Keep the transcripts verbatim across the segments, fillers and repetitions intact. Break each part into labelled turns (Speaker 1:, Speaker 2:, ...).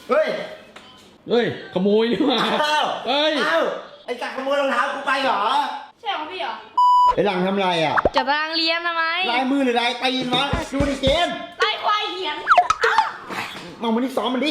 Speaker 1: เฮ้ย
Speaker 2: เฮ้ยขโมยนี่มาเฮ้ย
Speaker 1: เอ้าไอ้จักรขโมยรองเท้ากูไปเหรอ
Speaker 3: ใช่ของพี่เหรอ
Speaker 1: ไอ้หลังทำไรอ่ะ
Speaker 3: จะรางเรียนทำไม
Speaker 1: ลายมือหรือลายตีนวะดูดิเกม
Speaker 3: ลายควายเหียน
Speaker 1: มองมันที่ซ้อมมันดิ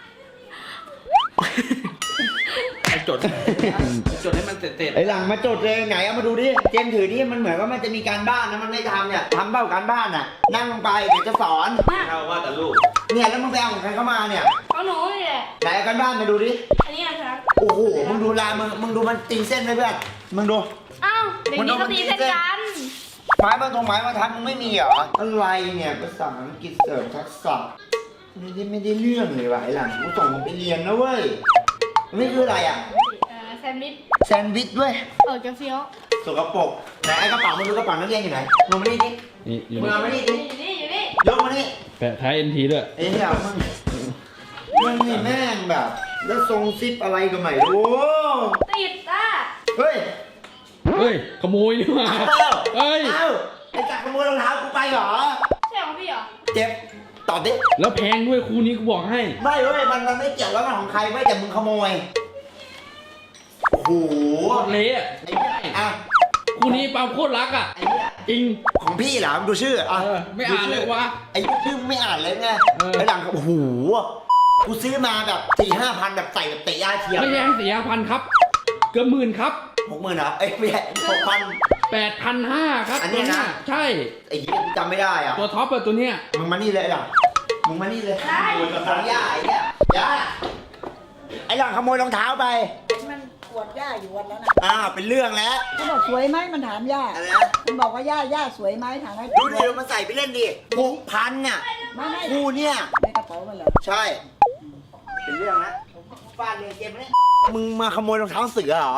Speaker 2: ไอ้จดจดให้มันเสร็จๆ
Speaker 1: ไอ้หลังมาจดเลยไหนเอามาดูดิเจมถือดิมันเหมือนว่ามันจะมีการบ้านนะมันไม่ทำเนี่ยทำเบ้าการบ้านน่ะนั่งลงไปเดี๋ยวจะสอน
Speaker 2: เอาว่าแต่ลูก
Speaker 1: เนี่ยแล้วมึงไปเอาของใครเข้ามาเนี่ย
Speaker 3: เอาหนูนี่แหละ
Speaker 1: ไหนการบ้านมาดูดิ
Speaker 3: อันนี้นะครับ
Speaker 1: โอ้โหมึงดูลายมึงมึงดูมันตีเส้นไหมเพื่อนมึงดู
Speaker 3: อ้าวเด็กนี้ก็ตีเส้นกัน
Speaker 1: ไม้มาตรงไม้มาทัดมึงไม่มีเหรออะไรเนี่ยภาษาอังกฤษเสริมทักษะไม่ได้ไม่ได้เรื่องเลยวะไอ้หลังกูส่งมึงไปเรียนนะเว้ยไม่คืออะไรอ่ะ
Speaker 3: แซนด์วิช
Speaker 1: แซนด์วิชด้วย
Speaker 3: เออจะเฟี้ยว
Speaker 1: สกปรกไหนไอ้กระเป๋ามึงดูกระเป๋านักเรียนอยู่ไหนมึงมาดิดิมึงเอามาดิดิ
Speaker 3: อยู่นี่อยู่นี่
Speaker 1: ยกมาดิ
Speaker 2: แปะท้ายเอ็นทีด้วย
Speaker 1: ไอ้เหี้ยมึงมึงนี่แม่งแบบแล้วทรงซิปอะไรก็ไม่รู้
Speaker 3: ติดอ่ะ
Speaker 1: เฮ้ย
Speaker 2: เฮ้ยขโมยนี่มาเฮ้ย
Speaker 1: เอ้าไอ้จักรขโมยรองเท้ากูไปเหรอ
Speaker 3: ใช่ของพี่เหรอ
Speaker 1: เจ็บตอบดิ
Speaker 2: แล้วแพงด้วยคู่นี้กูบอกให้
Speaker 1: ไม่เว้ยมันมันไม่เกี่ยวแล้วมันของใครไม่แต่มึงขโมยโอ้โห
Speaker 2: เละ
Speaker 1: อ่ะ
Speaker 2: คู่นี้ปาล์มโคตรรักอ่ะจริง
Speaker 1: ของพี่เหรอดูชื่ออ่ะ
Speaker 2: ไม่อ่านเลยวะ
Speaker 1: ไอ้ชื่อไม่อ่านเลยไงไอ้หลังโอ้โหกูซื้อมาแบบสี่ห้าพันแบบใส่แบบเตะย่าเทียม
Speaker 2: ไม่ใช่สี่ห้าพันครับเกือบหมื่นครับ
Speaker 1: หกหมื่นเหรอเอ้ยไม่ใช่หกพัน
Speaker 2: แปดพันห้าครับ
Speaker 1: อันนี้นะ
Speaker 2: ใช่
Speaker 1: ไอ้ยี่กูจำไม่ได้อ่ะ
Speaker 2: ตัวท็อปอะตัวเนี้ย
Speaker 1: มึงมานี่เลยหลังมึงมานี่เลยขโมยรองเท้าย่าไอ้เนี่ยย่าไอ้หลังขโมยรองเท้าไป
Speaker 4: มันปวดย่าอยู่วันแล้วนะ
Speaker 1: อ้าวเป็นเรื่องแล้ว
Speaker 4: มันบอกสวยไหมมันถามย่า
Speaker 1: อะไรนะ
Speaker 4: มันบอกว่าย่าย่าสวยไหมถามให้
Speaker 1: ดูดิดูมันใส่ไปเล่นดิหกพันน่ะคู่เนี่ย
Speaker 4: ในกระเป๋ามันเหรอ
Speaker 1: ใช่เป็นเรื่องนะฟาดเลยเกมนี้มึงมาขโมยรองเท้าเสือเหรอ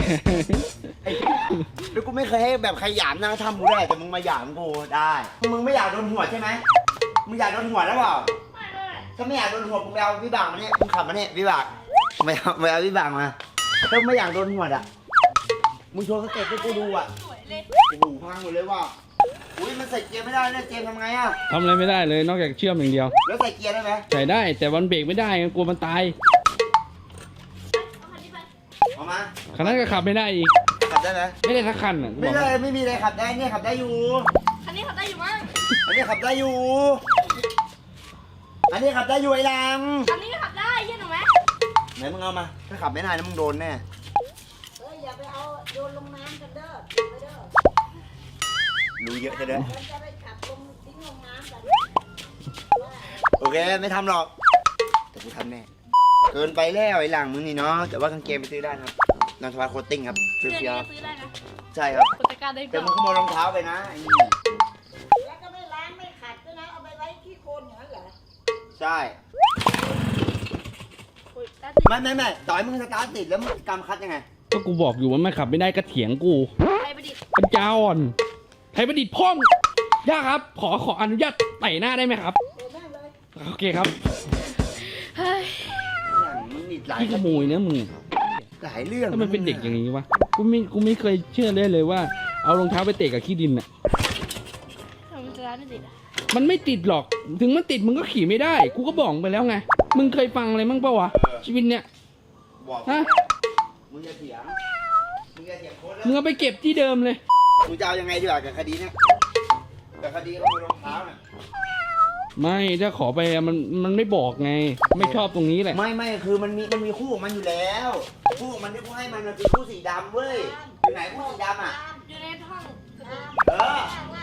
Speaker 1: แล้วกูไม่เคยให้แบบใครหยามนะทำกูได้แต่มึงมาหยามกูได้มึงไม่อยากโดนหัวใช่ไหมมึงอยากโดนหัวแล้วเปล่าถ้าไม่อยากโดนหัวมึงไปเอาวิบากมาเนี่ยมึงขับมาเนี่ยวิบากไม่เอาไม่เอาวิบากมาถ้าไม่อยากโดนหัวอ่ะมึงโชว์สเต็ปให้กูดูอ่ะโอ้โหพังหมดเลยว่ะอุ้ยมันใส่เกียร์ไม่ได้เนี่ยเจมทำไงอ่ะ
Speaker 2: ทำอะไรไม่ได้เลยนอกจากเชื่อมอย่างเดียว
Speaker 1: แล้วใส่เกียร์ได้ไหม
Speaker 2: ใส่ได้แต่วันเบรกไม่ได้กลัวมันตาย
Speaker 1: เอามา
Speaker 2: คันนั้นก็ขับไม่ได้อีก
Speaker 1: ขับได้ไหม
Speaker 2: ไม่ได้ทักคันอ่ะ
Speaker 1: ไม่ได้ไม่มีอะไรขับได้เนี่ยขับได้อยู่
Speaker 3: คันนี้ขับได้อยู่มั้ง
Speaker 1: อันนี้ขับได้อยู่อันนี้ขับได้อยู่ไอ้ลัง
Speaker 3: อันนี้ขับได้ใช่หนูไหม
Speaker 1: ไหนมึงเอามาถ้าขับไม่ได้นะมึงโดนแน่
Speaker 4: เฮ้ยอย่าไปเอาโยนลงน้ำกันเด้อไปเด้อ
Speaker 1: รู้เยอะจะเด้อ
Speaker 4: จะไปขับลงทิ้งลงน้ำกัน
Speaker 1: โอเคไม่ทำหรอกแต่กูทำแน่เกินไปแล้วไอ้หลังมึงนี่เนาะแต่ว่ากางเกงไปซื้อได้ครับนอนสบายโคตติ้งครับ
Speaker 3: เสื้อนี้ซื้อได้นะ
Speaker 1: ใช่ครับ
Speaker 3: แต่
Speaker 1: มึงขโมยรองเท้าไปนะไอ้นี่
Speaker 4: แล้วก็ไม่ล้างไม่ขัดด้วยนะเอาไปไว้ที่โคนอย่างนั้นเหรอ
Speaker 1: ใช่ไม่ไม่ไม่ต่อยมึงสตาร์ทติดแล้วมึงกำคัดยังไง
Speaker 2: ก็กูบอกอยู่ว่ามันขับไม่ได้ก็เถียงกู
Speaker 3: ไทยประดิษฐ์
Speaker 2: ปัญญาอ่อนไทยประดิษฐ์พ่องย่าครับขอขออนุญาตไต่หน้าได้ไหมครับโอเคครับ
Speaker 3: เฮ้ย
Speaker 2: พี่ขโมยนะมึง
Speaker 1: หลายเรื่อง
Speaker 2: ถ้ามันเป็นเด็กอย่างนี้วะกูไม่กูไม่เคยเชื่อเลยเลยว่าเอารองเท้าไปเตะกับขี้ดินอ่ะ
Speaker 3: มันจะไม่ติดอ่ะ
Speaker 2: มันไม่ติดหรอกถึงมันติดมึงก็ขี่ไม่ได้กูก็บอกไปแล้วไงมึงเคยฟังอะไรมั่งเปล่าวะชีวิตเนี้ย
Speaker 1: ฮะมึงจะเถียงมึงจะเถียงโค้ดแล้ว
Speaker 2: มึงเอาไปเก็บที่เดิมเลย
Speaker 1: มึงจะเอายังไงดีกว่ากับคดีเนี้ยกับคดีขโมยรองเท้าเนี่ย
Speaker 2: ไม่ถ้าขอไปมันมันไม่บอกไงไม่ชอบตรงนี้แหละ
Speaker 1: ไม่ไม่คือมันมีมันมีคู่ของมันอยู่แล้วคู่ของมันที่กูให้มันคือคู่สีดำเว้ยอยู่ไหนคู่สีดำอ่ะ
Speaker 3: อยู่ในห้อง
Speaker 1: เออ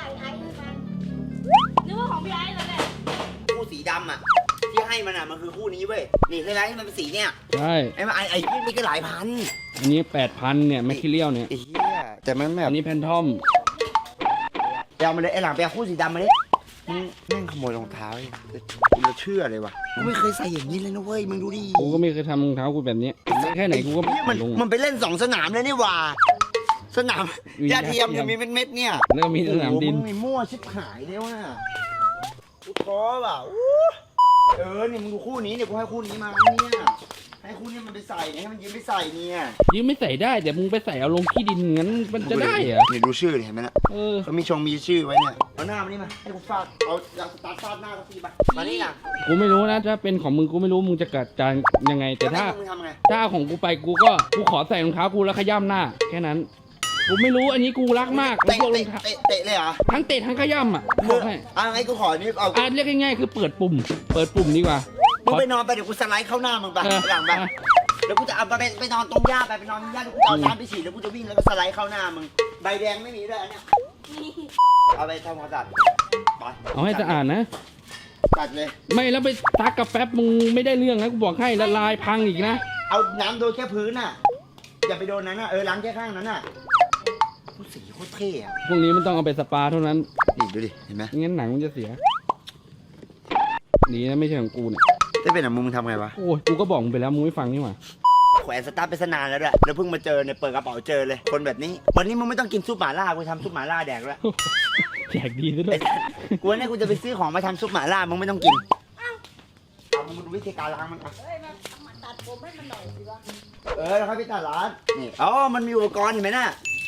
Speaker 3: นึกว่าของพี่ไอ้แล้วแหละ
Speaker 1: คู่สีดำอ่ะที่ให้มันอ่ะมันคือคู่นี้เว้ยนี่ใช่ไหมที่มันเป็นสีเนี่ย
Speaker 2: ใช่
Speaker 1: ไอ้ไอ้ไอ้ที่มีก็หลายพัน
Speaker 2: อันนี้แปดพันเนี่ยแมคคิเรียลเนี่ย
Speaker 1: ไอ้เหี้ยแต่มันแบบ
Speaker 2: อันนี้แพนทอม
Speaker 1: ไปเอามาเลยไอ้หลังไปเอาคู่สีดำมาเลยมึงแม่งขโมยรองเท้ากูจะเชื่อเลยว่ะกูไม่เคยใส่อย่างนี้เลยนะเว้ยมึงดูดิ
Speaker 2: กูก็ไม่เคยทำรองเท้ากูแบบนี้แค่ไหนกูก็
Speaker 1: มันมันไปเล่นสองสนามเลยนี่ว่าสนามยาเทียมจะมีเม็ดๆเนี่ย
Speaker 2: แล้วก็มีสนามดิน
Speaker 1: มึงมีมั่วชิบหายเลยว่ะกูท้อว่ะเออเนี่ยมึงดูคู่นี้เนี่ยกูให้คู่นี้มาเนี่ยให้คุณเนี่ยมันไปใส่เนี่ยให้มันยืมไปใส่เนี่ย
Speaker 2: ยืมไม่ใส่ได้แต่มึงไปใส่เอาลงขี้ดินงั้นมันจะได้เหรอ
Speaker 1: เนี่ยดูชื่อเห็นไหมนะ
Speaker 2: เออ
Speaker 1: เขามีชงมีชื่อไว้เนี่ยเอาหน้ามานี่มาให้กูฟาดเอายางสตาร์ทฟาดหน้าสักทีมามานี่นะ
Speaker 2: กูไม่รู้นะถ้าเป็นของมึงกูไม่รู้มึงจะกัดจานยังไง แต่ถ้า
Speaker 1: มึงทำไง
Speaker 2: ถ้าเอาของกูไปกูก็กูขอใส่รองเท้ากูแล้วขย้ำหน้าแค่นั้นกูไม่รู้อันนี้กูรักมาก
Speaker 1: เตะ
Speaker 2: พวกร
Speaker 1: เตะ
Speaker 2: องเท้า
Speaker 1: เตะเตะเลยเหรอ
Speaker 2: ทั้งเตะทั้งขย้ำอ่ะบอกให้
Speaker 1: อ่ะไอ้กูขอนี่เอา
Speaker 2: อ่ะเรียกง่ายๆคือเปิดปุ่ม เปิดปุ่มดีกว่า
Speaker 1: มึงไปนอนไปเดี๋ยวกูสไลด์เข้าหน้ามึงไป
Speaker 2: เออ
Speaker 1: หลังไปแล้วกูจะเอาไปไปนอนตรงหญ้าไปไปนอนตรงหญ้าแล้วกูจะเอาน้ำไปฉีดแล้วกูจะวิ่งแล้วก็สไลด์เข้าหน้ามึงใบแดงไม่มีด้วยอันเนี้ย
Speaker 3: นี่
Speaker 1: เอาไปทำความสะอาดไป
Speaker 2: เอาให้สะอาดนะ
Speaker 1: ตัดเลย
Speaker 2: ไม่แล้วไปซักกับแป๊บมึงไม่ได้เรื่องนะกูบอกให้ละลายพังอีกนะ
Speaker 1: เอาน้ำโดนแค่พื้นน่ะอย่าไปโดนนั้นน่ะเออล้างแค่ข้างนั้นน่ะกูสีโคตรเท่อะ
Speaker 2: พวกนี้มันต้องเอาไปสปาเท่านั้น
Speaker 1: นี่ดูดิเห็นไหม
Speaker 2: ไม่งั้นหนังมันจะเสียดีนะไม่ใช่ของกูเนี่ย
Speaker 1: ถ้าเป็นอ่ะมึงทำไงวะ
Speaker 2: โอ้ยกูก็บอกมึงไปแล้วมึงไม่ฟังนี่หว่า
Speaker 1: แขวนสตาร์ทไปสนานแล้วด้วยแล้วเพิ่งมาเจอเนี่ยเปิดกระเป๋าเจอเลย คนแบบนี้ วันนี้มึงไม่ต้องกินซุปหม่าล่ากูทำซุปหม่าล่าแดกแล้ว
Speaker 2: แจกดีซะด้วย
Speaker 1: กูว่าเนี่ยกูจะไปซื้อของมาทำซุปหม่าล่ามึงไม่ต้องกินเอามึงดูวิธีการล้างมันอ่ะ
Speaker 4: เฮ้ยมามาตัดผมให้มันหน่อยสิวะ
Speaker 1: เออแล้วค่อยไปตัดร้านนี่อ๋อมันมีอุปกรณ์เห็นไหมน่ะ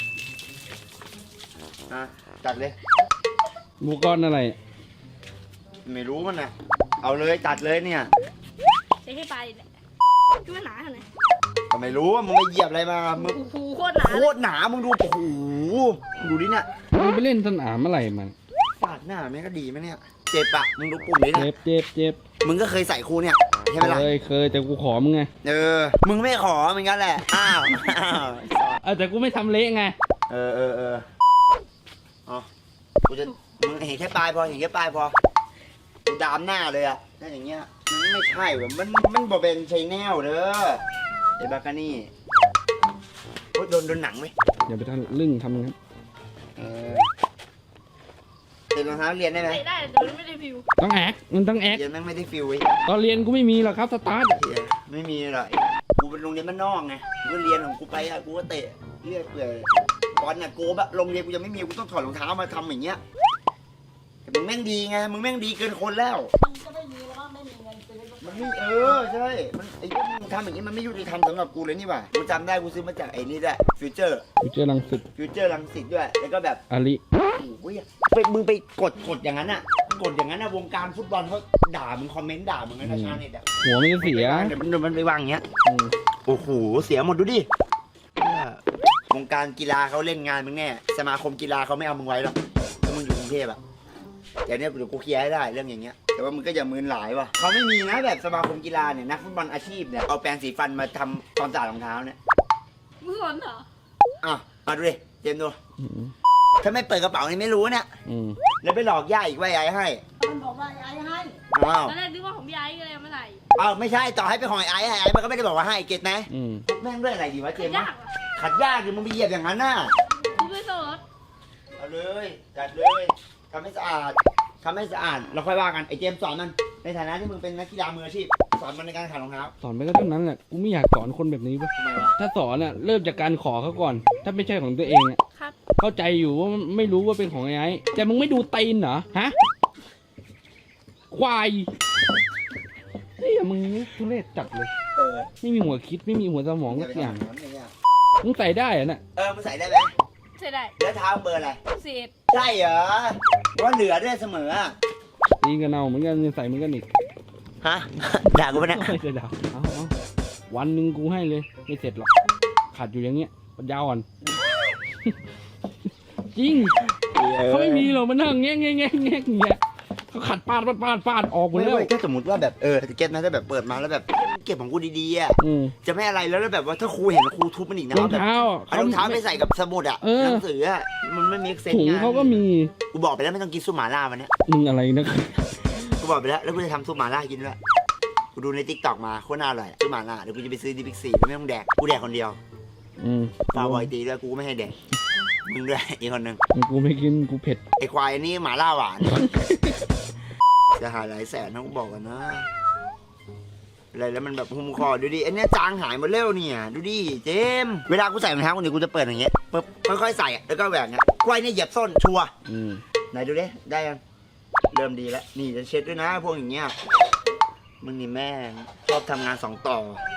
Speaker 1: อ่ะตัดเลย
Speaker 2: หมูก้อนอะไร
Speaker 1: ไม่รู้มันนะเอาเลยตัดเลยเนี่ย
Speaker 3: ใช้ให้ไปแหละคิดว่าหนาเท่าไหร่
Speaker 1: ก็ไม่รู้ว่ามึงไปเหยียบอะไรมามึง
Speaker 3: โอ้โหโคตรหนา
Speaker 1: โคตรหนามึงดูโอ้โหดูดิเนี่ย
Speaker 2: มึงไปเล่นสนามอะไรมัน
Speaker 1: ฟาดหน้าแม่งก็ดีไหมเนี่ยเจ็บอะมึงดูปุ่มนี้
Speaker 2: เจ็
Speaker 1: เนี่ย
Speaker 2: บเจ็บเจ็บ
Speaker 1: มึงก็เคยใส่ครูเนี่ยใช่ไหมล่ะ
Speaker 2: เคยเคยแต่กูขอมึงไง
Speaker 1: เออ มึงไม่ขอเหมือนกันแหละ อ้าว อ้าว
Speaker 2: เออแต่กูไม่ทำเละไง
Speaker 1: เออเออเอออ๋อกูจะ มึงเห็นแค่ปลายพอ เห็นแค่ปลายพอ กูดามหน้าเลยอะถ้าอย่างเงี้ย มันไม่ใช่เว้ยมัน มันบ่เป็นชัยแนลเด้อไอ้บากานี่โอ๊ยโดนโดนหนังไหม
Speaker 2: อย่าไปทำลึ่งทำงั้น
Speaker 1: เออเด็กรองเท้าเรียนได้ไหม
Speaker 3: ใส่ได้แต่มันไม่ได้ผิว
Speaker 2: ต้องแอคมันต้องแอค
Speaker 1: เรียนแม่งไม่ได้ฟิลไว้
Speaker 2: ตอนเรียนกูไม่มีหรอกครับสตาร์ท
Speaker 1: เหี้ยไม่มีหรอกกูเป็นโรงเรียนบ้านนอกไง กูก็เรียนของกูไปอะกูก็เตะเรียกเปื่อยบอลน่ะกูแบบโรงเรียนกูยังไม่มี กูต้องถอดรองเท้ามาทำอย่างเงี้ย แต่มึงแม่งดีไง มึงแม่งดีเกินคนแล้ว
Speaker 4: มันก็ไม่มีแล้วมั้งไม่มีเงินซื้อ
Speaker 1: มันไม่เออใช่ มันไอ้พวกมึงทำอย่างนี้มันไม่ยุติธรรมสำหรับกูเลยนี่หว่า กูจำได้กูซื้อมาจากไอ้นี่ด้วยฟิวเจอร์
Speaker 2: กูเจอรังสิต
Speaker 1: ฟิวเจอร์ลังสิตด้วย แล้วก็แบบ
Speaker 2: อาลิ
Speaker 1: โอ้ยไปมึงไปกดกดอย่างนั้นอ่ะ กดอย่างนั้นอ่ะวงการฟุตบอลเขาด่ามึงคอมเมนต์ด่ามึงนะชาวเน็ตอ่ะ
Speaker 2: หัวมันจะเสีย
Speaker 1: เดี๋ยวมันเดี๋ยวมันไปวางอย่างเงี้ย
Speaker 2: อืม
Speaker 1: โอ้โห เสียหมดดูดิเนี่ยวงการกีฬาเขาเล่นงานมึงแน่ สมาคมกีฬาเขาไม่เอามึงไว้หรอกถ้ามึงอยู่กรุงเทพอะแต่เนี่ยเดี๋ยวกูเคลียร์ให้ได้เรื่องอย่างเงี้ย แต่ว่ามึงก็อย่ามืนหลายว่ะเขาไม่มีนะแบบสมาคมกีฬาเนี่ยนักฟุตบอลอาชีพเนี่ยเอาแปรงสีฟันมาทำความสะอาดรองเท้าเนี่ย
Speaker 3: มึงสนเหรอ
Speaker 1: อ่ะมาดูดิเจมส์ดู
Speaker 2: อืม
Speaker 1: ถ้าไม่เปิดกระเป๋านี่ไม่รู้เนี่ย
Speaker 2: อืม
Speaker 1: แล้วไปหลอกย่าอีกว่าไอ้ให้
Speaker 4: มันบอกว่าไอ้ให้
Speaker 1: อ้าว
Speaker 3: ตอนแรกนึกว่าของพี่ไอ้ก็เลยเอามาใส่
Speaker 1: อ้าวไม่ใช่ต่อให้ไปหอยไอ้ไอ้มันก็ไม่ได้บอกว่าให้เก็ตนะ
Speaker 2: อืม
Speaker 1: แม่งด้วยอะไรดีวะเจมส์ะ
Speaker 3: ยาวกอ่ะ
Speaker 1: ขัดยากดิมึงไปเหยียบอย่างนั้นน่ะ
Speaker 3: พี่ไม่สน
Speaker 1: เอาเลยจัดเลยทำให้สะอาดทำให้สะอาดเราค่อยว่ากันไอ้เจมส์สอนมันในฐานะที่มึงเป็นนักกีฬามืออาชีพสอนมันในการขัดรองเท้า
Speaker 2: สอนไปก็เท่านั้นแหละกูไม่อยากสอนคนแบบนี้เว้ย
Speaker 1: ทำไมวะ
Speaker 2: ถ้าสอนอ่ะเริ่มจากการขอเขาก่อน ถ้าไม่ใช่ของตัวเองอ่ะ
Speaker 3: ครับ
Speaker 2: เข้าใจอยู่ว่าไม่รู้ว่าเป็นของไอ้ไอ้แต่มึงไม่ดูตีนเหรอฮะควายเฮ้ยมึงนี่ทุเรศจัดเลย
Speaker 1: เออ
Speaker 2: ไม่มีหัวคิดไม่มีหัวสมองสักอย่าง
Speaker 1: นั้นเนี่ย
Speaker 2: มึงใส่ได้เหรอน่ะ
Speaker 1: เออมึงใส่ได้ไหม
Speaker 3: ใส่ได้
Speaker 1: แล้วเท้าเบอร์อะไร
Speaker 3: เศษ
Speaker 1: ใช่เหรอว่าเหลือด้วยเสมออะ
Speaker 2: ตีกันเอาเหมือนกันใส่เหมือนกันอีก
Speaker 1: ฮะ ด่ากูปะเนี่ย
Speaker 2: ไม่จะด่าเอาเอาวันหนึ่งกูให้เลยไม่เสร็จหรอกขาดอยู่อย่างเงี้ยปัญญาอ่อน จริงเขาไม่มีหรอกมันนั่งแง่แง่แง่แง่อย่างเงี้ยเขาขัดปาดปาดปาดปาดออกหมด
Speaker 1: ไม่
Speaker 2: แล้ว
Speaker 1: เว้ยถ้าสมมติว่าแบบเออเก็ตนะถ้าแบบเปิดมาแล้วแบบเก็บของกูดีๆอ่ะ
Speaker 2: อืม
Speaker 1: จะไม่อะไรแล้วแล้วแบบว่าถ้าครูเห็นครูทุบมันอีกนะ
Speaker 2: รอง
Speaker 1: แบบ
Speaker 2: เท้า
Speaker 1: เอารองเท้าไปใส่กับสมุดอ่ะ
Speaker 2: เออ
Speaker 1: หนังสืออ่ะมันไม่มีเซน
Speaker 2: ถุง
Speaker 1: ไง
Speaker 2: เขาก็มี
Speaker 1: กูบอกไปแล้วไม่ต้องกินซุปหม่าล่าวันเนี้ย
Speaker 2: มึงอะไรนะ
Speaker 1: กูบอกไปแล้วแล้วกูจะทำซุปหม่าล่ากินด้วยกูดูในติ๊กต็อกมาโคตรน่าอร่อยซุปหม่าล่าเดี๋ยวกูจะไปซื้อที่บิ๊กซีแล้วไม่ต้องแดกกูแดกคนเดียว
Speaker 2: อืม
Speaker 1: ฟาบอยตีด้วยกูก็ไม่ให้แดกมึงด้วยอีกคนหนึ่ง
Speaker 2: กูไม่กินกูเผ็ด
Speaker 1: ไอควายอันนี้หม่าล่าหวานจะหาหลายแสนนะกูบอกกันนะอะไรแล้วมันแบบหุ้มคอดูดิอันเนี้ยจางหายหมดเร็วเนี่ยดูดิเจมส์เวลากูใส่รองเท้าคนนี้กูจะเปิดอย่างเงี้ยปึ๊บค่อยๆใส่อะแล้วก็แหวกเงี้ยควายเนี่ยเหยียบส้นชัวร์
Speaker 2: อืม
Speaker 1: ไหนดูดิได้ยังเริ่มดีแล้วนี่จะเช็ดด้วยนะพวกอย่างเงี้ยมึงนี่แม่งชอบทำงานสองต่อ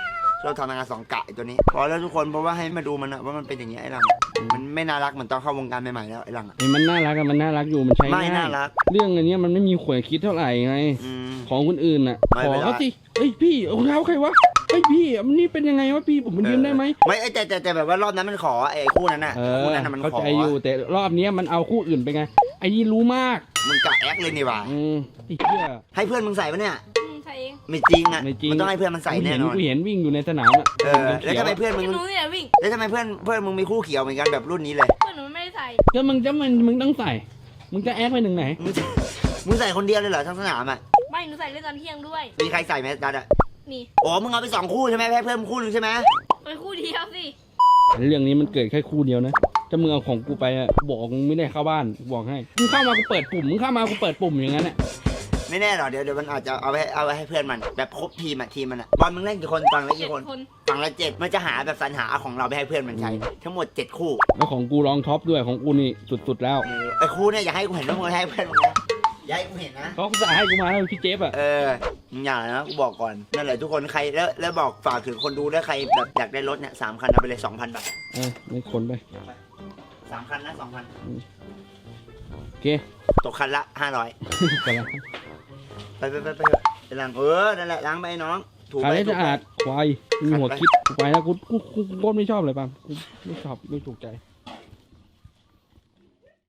Speaker 1: เราทำงานสองกะไอ้ตัวนี้พอแล้วทุกคนเพราะว่าให้มาดูมันอะว่ามันเป็นอย่างนี้ไอ้หลังมันไม่น่ารักเหมือนตอนเข้าวงการใหม่ๆแล้วไอ้หลังอะ
Speaker 2: ไอ้มันน่ารักอะมันน่ารักอยู่มันใช้
Speaker 1: ไม่
Speaker 2: ง่าย
Speaker 1: น่ารัก
Speaker 2: เรื่องอันเนี้ยมันไม่มีขวยคิดเท่าไหร่ไง
Speaker 1: อืม
Speaker 2: ของคนอื่นน่ะ
Speaker 1: ไม่
Speaker 2: ขอ
Speaker 1: เป็นไร
Speaker 2: เขาสิเฮ้ยพี่รองเท้าใครวะเฮ้ยพี่มันนี่เป็นยังไงวะพี่ผมมันยืมได้ไหม
Speaker 1: ไม่แต่แต่แต่แบบว่ารอบนั้นมันขอไอ้คู่นั้นน่ะ
Speaker 2: เอ
Speaker 1: คู่
Speaker 2: อ
Speaker 1: นั้นน่ะมัน
Speaker 2: เข้า
Speaker 1: ขอ
Speaker 2: ใจอยู่แต่รอบเนี้ยมันเอาคู่อื่นไปไงไอ้นี่รู้มาก
Speaker 1: มึงกะแอคเลยนี่หว่า
Speaker 2: อืมไอ้เหี้ย
Speaker 1: ให้เพื่อนมึงใส่ปะเนี่ย
Speaker 3: อืมใส่เอง
Speaker 1: ไม่จริงอ่ะ
Speaker 2: ไม่จริง
Speaker 1: มันต้องให้เพื่อนมันใส่แน่นอน
Speaker 2: กูเห็นวิ่งอยู่ในสนามอ่ะ
Speaker 1: เออแล้วทำไมเพื่อนมึง
Speaker 3: หนูเนี่ยวิ่ง
Speaker 1: แล้วทำไมเพื่อนเพื่อนมึงมีคู่เขียวเหมือนกันแบบรุ่นนี้เลย
Speaker 3: เพื่อนหนูไม่ได้ใส่
Speaker 2: ก็มึงจะมันมึงต้องใส่ มึงจะแอคไปหนึ่งไหน
Speaker 1: มึงมึงใส่คนเดียวเลยเหรอทั้งสนามอ่ะ
Speaker 3: ไม่หนูใส่เล่นตอนเที่ยงด้วย
Speaker 1: มีใครใส่ไหมดัดอ่ะ
Speaker 3: นี่
Speaker 1: โอ้มึงเอาไปสองคู่ใช่ไหมให้เพื่อนมึงคู่หนึงใช่ไหม
Speaker 3: ไปคู่เดียวสิ
Speaker 2: เรื่องนี้มันเกิดแค่คู่เดียวนะถ้ามึงเอาของกูไปอะบอกมึงไม่ได้เข้าบ้านบอกให้มึงเข้ามากูเปิดปุ่มมึงเข้ามากูเปิดปุ่มอย่างนั้นแหละ
Speaker 1: ไม่แน่หรอกเดี๋ยวเดี๋ยวมันอาจจะเอาไปเอาไปให้เพื่อนมันแบบครบทีมอ่ะทีมมันอ่ะบอลมึงเล่นกี่คนฝั่งละ
Speaker 3: เจ็
Speaker 1: กี่
Speaker 3: ด
Speaker 1: คน
Speaker 3: คน
Speaker 1: ฝั่งละเจ็ดมันจะหาแบบสรรหาเอาของเราไปให้เพื่อนมันใช้ทั้งหมดเจ็ดคู่
Speaker 2: แล้วของกูรองท็อปด้วยของกูนี่สุดๆแล้ว
Speaker 1: เออไอ้คู่เนี่ยอย่าให้กูเห็นว่ามึงให้เพื่อนมึงนะอย่าให้กูเห็นนะ
Speaker 2: เขาก็จะให้กูมาแล้วพี่เจฟอะ
Speaker 1: เออมึงอย่านะกูบอกก่อนนั่นแหละทุกคนใครแล้วแล้วบอกฝากถึงคนดูด้วยใครแบบอยากได้รถเนี่ยสามคันเอาไปเลยสองพันบาท
Speaker 2: เออไม่คนไป
Speaker 1: สามคันนะสองพัน
Speaker 2: โอเค
Speaker 1: ตกคันละห้าร้อย
Speaker 2: ไปแล้ว
Speaker 1: ไปไปไปไปไปล้างเออนั่นแหละล้างไปน้องถู
Speaker 2: ขาย
Speaker 1: ไป
Speaker 2: ได้
Speaker 1: ถู
Speaker 2: สะ
Speaker 1: ไป
Speaker 2: อาดควายมีหัวคิดไปแล้วกูกูกูกูโคตรไม่ชอบเลยป่ะกูไม่ชอบไม่ถูกใจ